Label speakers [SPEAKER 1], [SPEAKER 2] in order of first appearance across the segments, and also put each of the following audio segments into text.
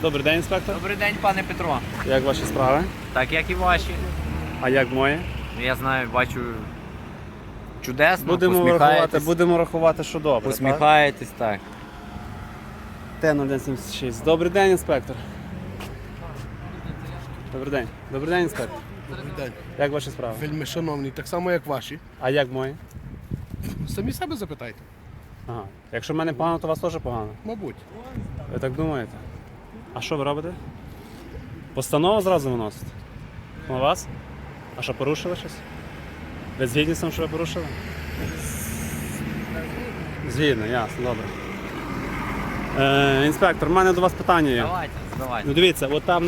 [SPEAKER 1] Добрий день, інспектор.
[SPEAKER 2] Добрий день, пане Петро.
[SPEAKER 1] Як ваші справи?
[SPEAKER 2] Так, як і ваші.
[SPEAKER 1] А як мої?
[SPEAKER 2] Я знаю, бачу чудесно,
[SPEAKER 1] Будемо рахувати, що добре.
[SPEAKER 2] Посміхаєтесь, так.
[SPEAKER 1] Т-0176. Добрий день, інспектор. Добрий день. Добрий день, інспектор.
[SPEAKER 3] Добрий день.
[SPEAKER 1] Як ваші справи?
[SPEAKER 3] Вельми шановні, так само як ваші.
[SPEAKER 1] А як мої?
[SPEAKER 3] Самі себе запитайте.
[SPEAKER 1] Ага. Якщо в мене погано, то у вас теж погано.
[SPEAKER 3] Мабуть.
[SPEAKER 1] Ви так думаєте? А що ви робите? Постанову зразу виносите? На вас? А що, порушили щось? Ви згідні з тим, що ви порушили? Згідно, ясно, добре. Інспектор, в мене до вас питання є.
[SPEAKER 2] Давайте.
[SPEAKER 1] Ну дивіться, от там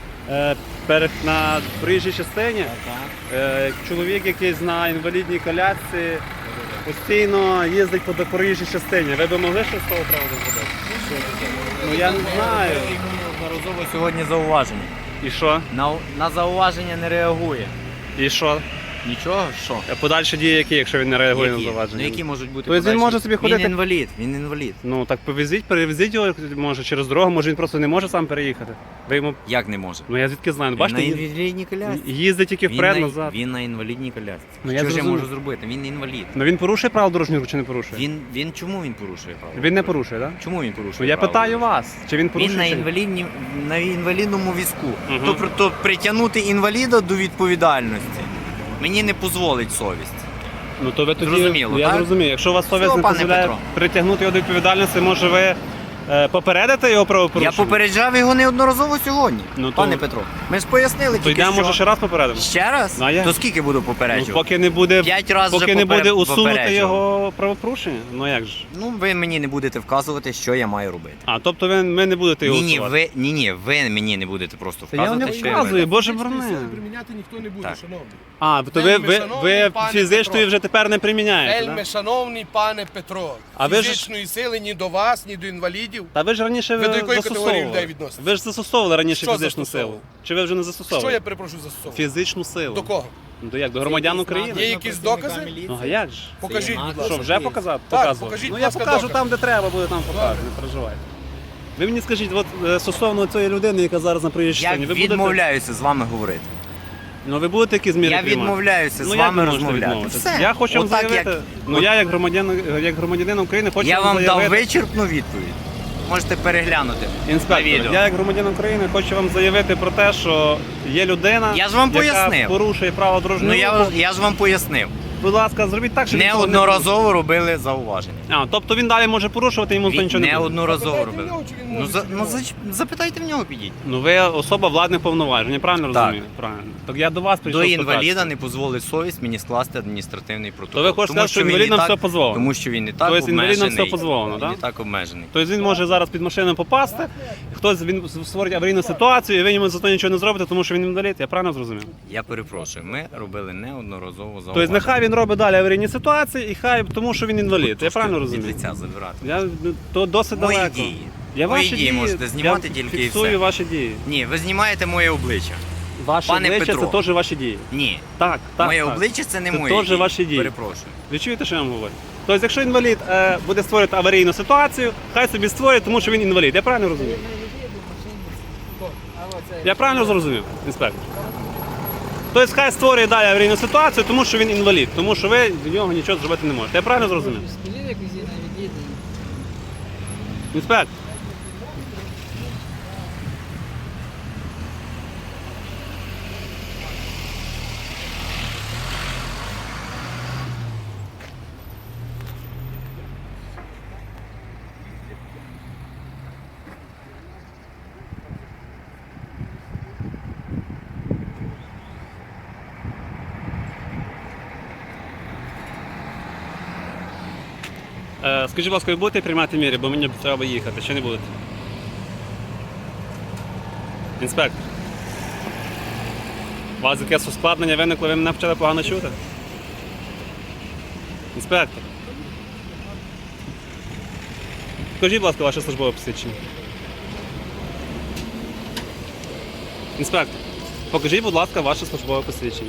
[SPEAKER 1] на проїжджій частині чоловік якийсь на інвалідній колясці постійно їздить по проїжджій частині. Ви б могли щось з того приводу зробити? Ну я не знаю.
[SPEAKER 2] Неодноразово сьогодні зауваження.
[SPEAKER 1] І що?
[SPEAKER 2] На зауваження не реагує.
[SPEAKER 1] І що?
[SPEAKER 2] Нічого? Що?
[SPEAKER 1] Подальші дії які, якщо він не реагує на
[SPEAKER 2] Ну
[SPEAKER 1] завадження?
[SPEAKER 2] які можуть бути
[SPEAKER 1] Тобто він
[SPEAKER 2] подальші?
[SPEAKER 1] може собі ходити-
[SPEAKER 2] Він інвалід.
[SPEAKER 1] Ну так перевезіть його, може через дорогу, може він просто не може сам переїхати. Ви йому...
[SPEAKER 2] Як не може?
[SPEAKER 1] Ну я звідки знаю, ну,
[SPEAKER 2] Він
[SPEAKER 1] бачите,
[SPEAKER 2] на інвалідній колясці.
[SPEAKER 1] їздить тільки вперед, назад.
[SPEAKER 2] Він на інвалідній колясці.
[SPEAKER 1] Ну, я
[SPEAKER 2] Що ж я
[SPEAKER 1] зрозумів.
[SPEAKER 2] можу зробити? Він інвалід.
[SPEAKER 1] Ну він порушує правила дорожнього руху чи не порушує?
[SPEAKER 2] Чому він порушує право?
[SPEAKER 1] Він не порушує, так? Да?
[SPEAKER 2] Чому він порушує?
[SPEAKER 1] Ну я
[SPEAKER 2] право?
[SPEAKER 1] питаю вас, чи він порушує?
[SPEAKER 2] Він на інвалідному візку.
[SPEAKER 1] Мгм.
[SPEAKER 2] Тобто притягнути інваліда до відповідальності мені не дозволить совість.
[SPEAKER 1] Ну то ви тоді,
[SPEAKER 2] Зрозуміло,
[SPEAKER 1] я
[SPEAKER 2] так?
[SPEAKER 1] зрозумію. Якщо у вас совість
[SPEAKER 2] Все,
[SPEAKER 1] не
[SPEAKER 2] пане
[SPEAKER 1] дозволяє
[SPEAKER 2] Петро.
[SPEAKER 1] притягнути його до відповідальності, може ви попередите його правопорушення?
[SPEAKER 2] Я попереджав його неодноразово сьогодні,
[SPEAKER 1] Ну, то-
[SPEAKER 2] пане Петро. Ми ж пояснили
[SPEAKER 1] То
[SPEAKER 2] тільки
[SPEAKER 1] йдемо,
[SPEAKER 2] що.
[SPEAKER 1] може, ще раз попередимо?
[SPEAKER 2] Ще раз?
[SPEAKER 1] Ну, а як?
[SPEAKER 2] То скільки буду
[SPEAKER 1] Ну,
[SPEAKER 2] попереджувати?
[SPEAKER 1] поки не буде,
[SPEAKER 2] 5 разів
[SPEAKER 1] поки
[SPEAKER 2] вже
[SPEAKER 1] не буде усунути
[SPEAKER 2] попереджував.
[SPEAKER 1] його правопорушення? Ну як ж?
[SPEAKER 2] Ну, ви мені не будете вказувати, що я маю робити.
[SPEAKER 1] А, тобто ви не будете його усувати?
[SPEAKER 2] Ви мені не будете просто
[SPEAKER 1] Та я вам не
[SPEAKER 2] вказувати, що я маю
[SPEAKER 1] вказую,
[SPEAKER 2] робити.
[SPEAKER 1] боже
[SPEAKER 3] Фізичної
[SPEAKER 1] борони.
[SPEAKER 3] сили приміняти ніхто не буде,
[SPEAKER 2] Так.
[SPEAKER 3] шановний.
[SPEAKER 1] А, то
[SPEAKER 3] Вельми шановний
[SPEAKER 1] ви
[SPEAKER 3] пане
[SPEAKER 1] фізичної
[SPEAKER 3] Петро.
[SPEAKER 1] вже тепер не приміняєте,
[SPEAKER 3] Вельми
[SPEAKER 1] да?
[SPEAKER 3] шановний пане Петро,
[SPEAKER 1] А ви ж-
[SPEAKER 3] фізичної сили ні до вас, ні до інвалідів.
[SPEAKER 1] Та ви ж раніше
[SPEAKER 3] Ви до якої категорії
[SPEAKER 1] застосовували.
[SPEAKER 3] людей відноситесь?
[SPEAKER 1] Ви ж застосовували раніше
[SPEAKER 3] Що
[SPEAKER 1] фізичну
[SPEAKER 3] застосовували?
[SPEAKER 1] силу. Чи ви вже не
[SPEAKER 3] Що
[SPEAKER 1] застосовували?
[SPEAKER 3] я перепрошую застосовую?
[SPEAKER 1] Фізичну силу.
[SPEAKER 3] До кого?
[SPEAKER 1] Ну, до як? До громадян України?
[SPEAKER 3] Є якісь докази?
[SPEAKER 1] Ну, а як ж?
[SPEAKER 3] Покажіть, будь ласка.
[SPEAKER 1] Що, вже показати?
[SPEAKER 3] Так,
[SPEAKER 1] Показувати?
[SPEAKER 3] покажіть,
[SPEAKER 1] Ну
[SPEAKER 3] будь
[SPEAKER 1] я
[SPEAKER 3] ласка,
[SPEAKER 1] покажу
[SPEAKER 3] докази.
[SPEAKER 1] там, де треба буде, там покажу, не переживайте. Ви мені скажіть, от стосовно цієї людини, яка зараз на проїжджій
[SPEAKER 2] Я
[SPEAKER 1] частині, ви будете...
[SPEAKER 2] відмовляюся з вами говорити.
[SPEAKER 1] Ну ви будете якісь зміри
[SPEAKER 2] Я
[SPEAKER 1] приймати?
[SPEAKER 2] відмовляюся з
[SPEAKER 1] Ну, як
[SPEAKER 2] вами
[SPEAKER 1] ви можете
[SPEAKER 2] розмовляти.
[SPEAKER 1] відмовитися?
[SPEAKER 2] Все.
[SPEAKER 1] Я хочу вам
[SPEAKER 2] Отак,
[SPEAKER 1] заявити,
[SPEAKER 2] як-
[SPEAKER 1] ну я як громадянин України хочу
[SPEAKER 2] Я вам
[SPEAKER 1] заявити...
[SPEAKER 2] дав вичерпну відповідь. Можете переглянути на
[SPEAKER 1] Інспектор,
[SPEAKER 2] відео.
[SPEAKER 1] я як громадянин України хочу вам заявити про те, що є людина,
[SPEAKER 2] Я ж вам
[SPEAKER 1] яка
[SPEAKER 2] пояснив.
[SPEAKER 1] порушує право дорожнього
[SPEAKER 2] Ну
[SPEAKER 1] руху.
[SPEAKER 2] я ж вам пояснив.
[SPEAKER 1] Будь ласка, зробіть так, щоб він цього не
[SPEAKER 2] Неодноразово робили зауваження.
[SPEAKER 1] порушив. А, тобто він далі може порушувати, йому
[SPEAKER 2] Він
[SPEAKER 1] нічого не буде.
[SPEAKER 2] неодноразово
[SPEAKER 3] Запитайте
[SPEAKER 2] робили.
[SPEAKER 3] в нього, чи він
[SPEAKER 2] Ну,
[SPEAKER 3] може
[SPEAKER 2] запитайте в нього, підіть.
[SPEAKER 1] Ну ви особа владних повноважень, я правильно
[SPEAKER 2] Так.
[SPEAKER 1] розумію? Правильно. Так я до вас прийшов
[SPEAKER 2] До
[SPEAKER 1] спитатися.
[SPEAKER 2] інваліда не дозволить совість мені скласти адміністративний протокол.
[SPEAKER 1] То ви хочете сказати, що
[SPEAKER 2] він
[SPEAKER 1] інвалідам
[SPEAKER 2] і так-
[SPEAKER 1] все дозволено?
[SPEAKER 2] Тому що він і так
[SPEAKER 1] Тобто інвалідам
[SPEAKER 2] обмежений.
[SPEAKER 1] все дозволено,
[SPEAKER 2] Він
[SPEAKER 1] да?
[SPEAKER 2] і так обмежений.
[SPEAKER 1] Тобто він може зараз під машину попасти, він створить аварійну ситуацію, і ви йому за то нічого не зробите, тому що він інвалід, я правильно зрозумів?
[SPEAKER 2] Я перепрошую, ми робили неодноразово зауваження.
[SPEAKER 1] Тобто нехай він робить далі аварійні ситуації, і хай, тому що він інвалід, я правильно
[SPEAKER 2] Від
[SPEAKER 1] розумію?
[SPEAKER 2] лиця забирати.
[SPEAKER 1] То досить
[SPEAKER 2] Мої
[SPEAKER 1] далеко.
[SPEAKER 2] дії.
[SPEAKER 1] Я
[SPEAKER 2] Мої
[SPEAKER 1] ваші
[SPEAKER 2] дії можете знімати
[SPEAKER 1] я
[SPEAKER 2] тільки і
[SPEAKER 1] фіксую
[SPEAKER 2] все.
[SPEAKER 1] ваші дії.
[SPEAKER 2] Ні, ви знімаєте моє обличчя.
[SPEAKER 1] Ваше
[SPEAKER 2] Пане
[SPEAKER 1] обличчя
[SPEAKER 2] Петро.
[SPEAKER 1] це теж ваші дії.
[SPEAKER 2] Ні.
[SPEAKER 1] Так,
[SPEAKER 2] Моє
[SPEAKER 1] так.
[SPEAKER 2] обличчя це не
[SPEAKER 1] Це
[SPEAKER 2] моє.
[SPEAKER 1] теж ваші дії.
[SPEAKER 2] Перепрошую.
[SPEAKER 1] Ви чуєте, що я вам говорю? Тобто, якщо інвалід буде створювати аварійну ситуацію, хай собі створює, тому що він інвалід. Я правильно розумію? Я правильно зрозумів, інспектор? Тобто хай створює далі аварійну ситуацію, тому що він інвалід, тому що ви до нього нічого зробити не можете. Я правильно зрозумів? Інспектор. Скажіть, будь ласка, ви будете приймати міри, бо мені треба їхати, чи не будете? Інспектор. У вас якесь ускладнення виникло, ви мене почали погано чути? Інспектор. Скажіть, будь ласка, ваше службове посвідчення. Інспектор, покажіть, будь ласка, ваше службове посвідчення.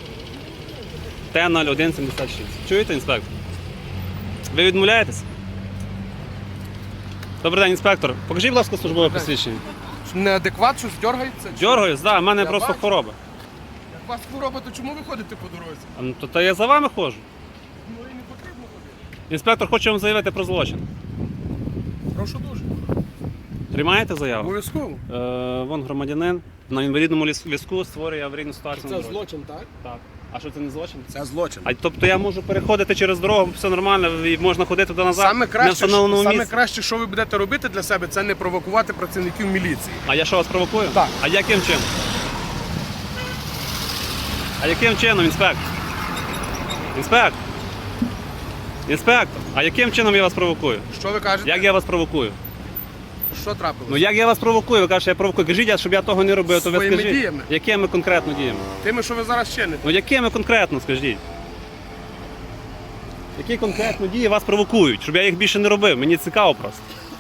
[SPEAKER 1] Т-0176. Чуєте, інспектор? Ви відмовляєтесь? Добрий день, інспектор. Покажіть, будь ласка, службове посвідчення.
[SPEAKER 3] неадекват, щось дергається?
[SPEAKER 1] Дьоргаюсь, да, в мене
[SPEAKER 3] Я
[SPEAKER 1] просто
[SPEAKER 3] бачу.
[SPEAKER 1] хвороба.
[SPEAKER 3] Як у вас хвороба, то чому ви ходите по дорозі?
[SPEAKER 1] А, ну, то я за вами ходжу.
[SPEAKER 3] Ну і не потрібно ходити.
[SPEAKER 1] Інспектор хоче вам заявити про злочин.
[SPEAKER 3] Прошу дуже.
[SPEAKER 1] Приймаєте заяву?
[SPEAKER 3] Обов'язково.
[SPEAKER 1] Вон громадянин на інвалідному візку створює аварійну ситуацію на
[SPEAKER 3] Це
[SPEAKER 1] дорозі.
[SPEAKER 3] злочин, так?
[SPEAKER 1] Так. А що це не злочин?
[SPEAKER 3] Це злочин.
[SPEAKER 1] А тобто я можу переходити через дорогу, все нормально, і можна ходити туди назад
[SPEAKER 3] Саме
[SPEAKER 1] на
[SPEAKER 3] краще,
[SPEAKER 1] встановленому
[SPEAKER 3] саме
[SPEAKER 1] місці.
[SPEAKER 3] краще, що ви будете робити для себе, це не провокувати працівників міліції.
[SPEAKER 1] А я що вас провокую?
[SPEAKER 3] Так.
[SPEAKER 1] А яким чином? А яким чином, інспектор? Інспектор? Інспектор, а яким чином я вас провокую?
[SPEAKER 3] Що ви кажете?
[SPEAKER 1] Як я вас провокую?
[SPEAKER 3] Що трапилось?
[SPEAKER 1] Ну як я вас провокую? Ви кажете, я провокую. Кажіть, щоб я того не робив, то ви
[SPEAKER 3] Своїми
[SPEAKER 1] скажіть.
[SPEAKER 3] діями.
[SPEAKER 1] Якими конкретно діями?
[SPEAKER 3] Тими, що ви зараз чините.
[SPEAKER 1] Ну якими конкретно, скажіть? Які конкретно дії вас провокують, щоб я їх більше не робив? Мені цікаво просто.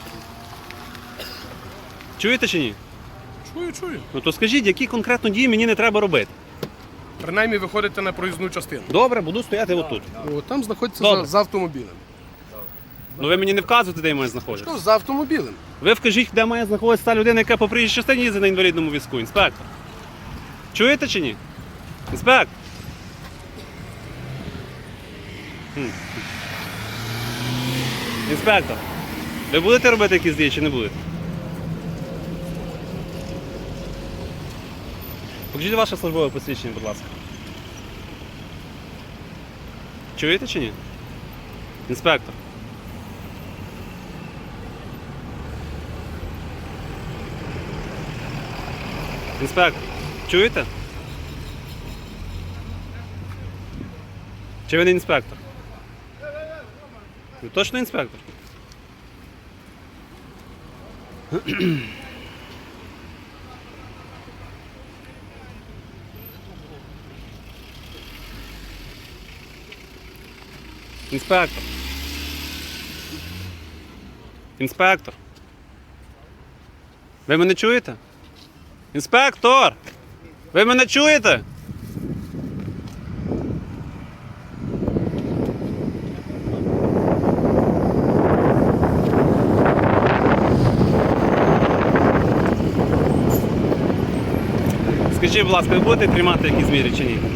[SPEAKER 1] Чуєте чи ні?
[SPEAKER 3] Чую.
[SPEAKER 1] Ну то скажіть, які конкретно дії мені не треба робити?
[SPEAKER 3] Принаймні виходите на проїзну частину.
[SPEAKER 1] Добре, буду стояти отут.
[SPEAKER 3] О, там знаходиться
[SPEAKER 1] Добре.
[SPEAKER 3] за автомобілем.
[SPEAKER 1] Ну ви мені не вказуєте, де я маю знаходитися.
[SPEAKER 3] Що, за автомобілем?
[SPEAKER 1] Ви вкажіть, де має знаходитися та людина, яка по приїжджій частині їздить на інвалідному візку, інспектор. Чуєте чи ні? Інспектор. Інспектор. Ви будете робити якісь дії чи не будете? Покажіть ваше службове посвідчення, будь ласка. Чуєте чи ні? Інспектор. Інспектор, чуєте? Чи ви не інспектор? Ви точно інспектор? Інспектор. Інспектор. Ви мене чуєте? Інспектор! Ви мене чуєте? Скажіть, будь ласка, ви будете приймати якісь міри чи ні?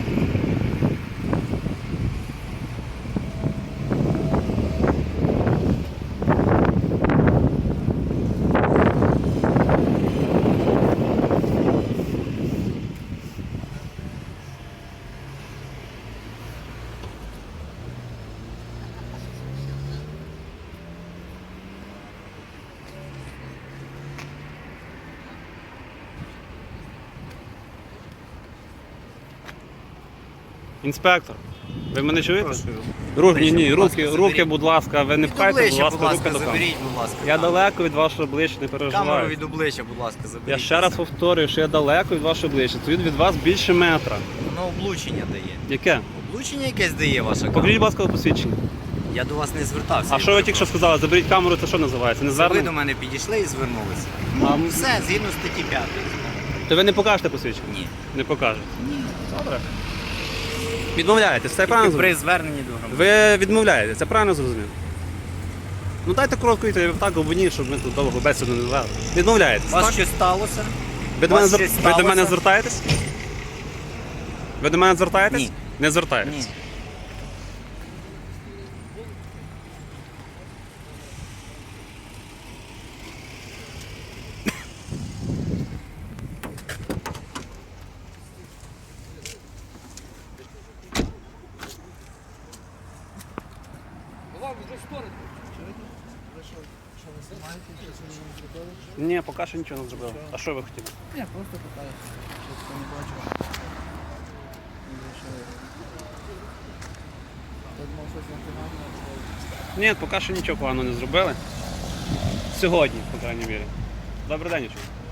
[SPEAKER 1] Інспектор, ви мене чуєте? Руки, будь ласка, ви не
[SPEAKER 2] Від
[SPEAKER 1] пхайте, будь
[SPEAKER 2] обличчя,
[SPEAKER 1] ласка,
[SPEAKER 2] будь
[SPEAKER 1] руки
[SPEAKER 2] ласка,
[SPEAKER 1] до камери.
[SPEAKER 2] заберіть, будь ласка.
[SPEAKER 1] Я
[SPEAKER 2] камеру.
[SPEAKER 1] далеко від вашого обличчя, не
[SPEAKER 2] Камеру
[SPEAKER 1] переживаю.
[SPEAKER 2] від обличчя, будь ласка, заберіть.
[SPEAKER 1] Я ще раз повторюю, що я далеко від вашого обличчя. Тут від вас більше метра.
[SPEAKER 2] Воно облучення дає.
[SPEAKER 1] Яке?
[SPEAKER 2] Облучення якесь дає ваша
[SPEAKER 1] Покажіть,
[SPEAKER 2] камера.
[SPEAKER 1] будь ласка, посвідчення.
[SPEAKER 2] Я до вас не звертався.
[SPEAKER 1] А що ви тільки що сказали? Заберіть камеру, це що називається? Не
[SPEAKER 2] Ви до
[SPEAKER 1] звернення?
[SPEAKER 2] мене підійшли і звернулися.
[SPEAKER 1] А,
[SPEAKER 2] Ну, все, згідно статті 5.
[SPEAKER 1] То ви не покажете посвідчення?
[SPEAKER 2] Ні.
[SPEAKER 1] Не покажете? Ні. Добре. Відмовляєтесь, це правильно
[SPEAKER 2] Тільки
[SPEAKER 1] зрозумів?
[SPEAKER 2] при зверненні до громадян.
[SPEAKER 1] Ви відмовляєте, це правильно зрозумів? Ну дайте коротку відповідь, так обвиніть, щоб ми тут довго бесіду не вели. Відмовляєтесь,
[SPEAKER 2] У вас
[SPEAKER 1] так?
[SPEAKER 2] щось сталося?
[SPEAKER 1] Ви до мене,
[SPEAKER 2] вас щось
[SPEAKER 1] ви до мене
[SPEAKER 2] сталося?
[SPEAKER 1] звертаєтесь? Ви до мене звертаєтесь?
[SPEAKER 2] Ні.
[SPEAKER 1] Не звертаєтесь.
[SPEAKER 2] Ні.
[SPEAKER 1] Ні, поки що нічого не зробив. А що ви хотіли?
[SPEAKER 4] Я просто питаю, що не бачу. Я думав, щось непогано.
[SPEAKER 1] Ні, поки що нічого поганого не зробили. Сьогодні, по крайній мірі. Добрий день, Ючу.